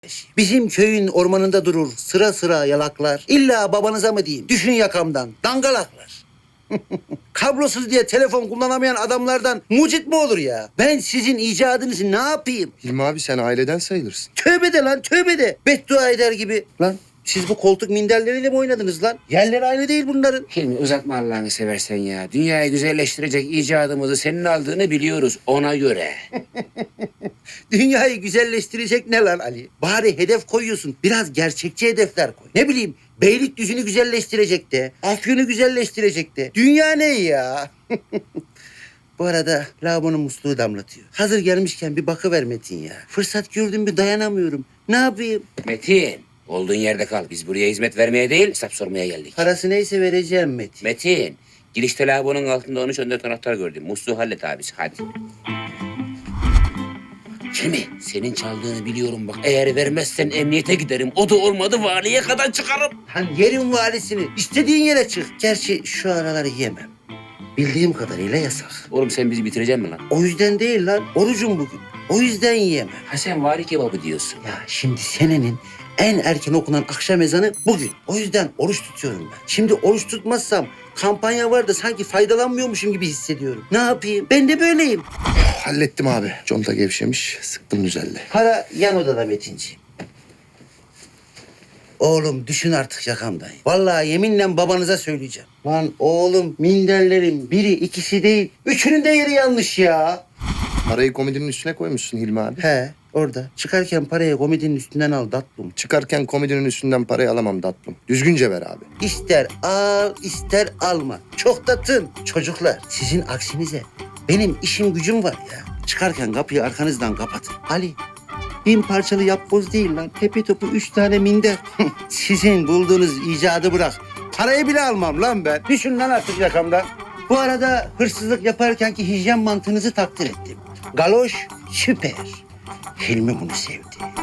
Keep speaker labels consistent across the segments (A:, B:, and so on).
A: Bizim köyün ormanında durur sıra sıra yalaklar. İlla babanıza mı diyeyim? Düşün yakamdan dangalaklar. Kablosuz diye telefon kullanamayan adamlardan mucit mi olur ya? Ben sizin icadınızı ne yapayım?
B: Hilmi abi sen aileden sayılırsın.
A: Tövbe de lan tövbe de. Beddua eder gibi. Lan siz bu koltuk minderleriyle mi oynadınız lan? Yerleri aynı değil bunların.
C: Hilmi uzatma Allah'ını seversen ya. Dünyayı güzelleştirecek icadımızı senin aldığını biliyoruz ona göre.
A: Dünyayı güzelleştirecek ne lan Ali? Bari hedef koyuyorsun. Biraz gerçekçi hedefler koy. Ne bileyim Beylikdüzü'nü güzelleştirecek de. Afyon'u güzelleştirecek de. Dünya ne ya? Bu arada lavabonun musluğu damlatıyor. Hazır gelmişken bir bakıver Metin ya. Fırsat gördüm bir dayanamıyorum. Ne yapayım?
C: Metin, olduğun yerde kal. Biz buraya hizmet vermeye değil, hesap sormaya geldik.
A: Parası neyse vereceğim Metin.
C: Metin, girişte lavabonun altında 13-14 anahtar gördüm. Musluğu hallet abisi, hadi. Hilmi, senin çaldığını biliyorum bak. Eğer vermezsen emniyete giderim. O da olmadı valiye kadar çıkarım.
A: Lan yerin valisini. İstediğin yere çık. Gerçi şu araları yemem. Bildiğim kadarıyla yasak.
C: Oğlum sen bizi bitireceksin mi lan?
A: O yüzden değil lan. Orucum bugün. O yüzden yiyemem.
C: Ha sen vali kebabı diyorsun.
A: Ya şimdi senenin en erken okunan akşam ezanı bugün. O yüzden oruç tutuyorum ben. Şimdi oruç tutmazsam kampanya var da sanki faydalanmıyormuşum gibi hissediyorum. Ne yapayım? Ben de böyleyim.
B: Hallettim abi. Conta gevşemiş. Sıktım düzeldi.
A: Para yan odada Metinciğim. Oğlum düşün artık yakamdan. Vallahi yeminle babanıza söyleyeceğim. Lan oğlum minderlerin biri ikisi değil. Üçünün de yeri yanlış ya.
B: Parayı komodinin üstüne koymuşsun Hilmi abi.
A: He orada. Çıkarken parayı komedinin üstünden al tatlım.
B: Çıkarken komodinin üstünden parayı alamam tatlım. Düzgünce ver abi.
A: İster al ister alma. Çok da tın. Çocuklar sizin aksinize benim işim gücüm var ya. Çıkarken kapıyı arkanızdan kapatın. Ali 1000 parçalı yapboz değil lan. Tepe topu 3 tane minder. Sizin bulduğunuz icadı bırak. Parayı bile almam lan ben. Düşün lan artık yakamdan. Bu arada hırsızlık yaparkenki hijyen mantığınızı takdir ettim. Galoş süper. Hilmi bunu sevdi.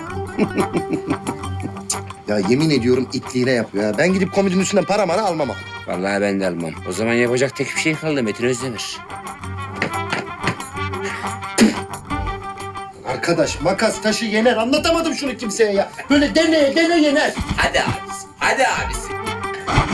B: Ya yemin ediyorum itliğine yapıyor ya. Ben gidip komodinin üstünden para mara almam abi.
C: Vallahi ben de almam. O zaman yapacak tek bir şey kaldı Metin Özdemir.
B: Arkadaş makas taşı yener. Anlatamadım şunu kimseye ya. Böyle dene yener.
C: Hadi abisi, hadi abisi.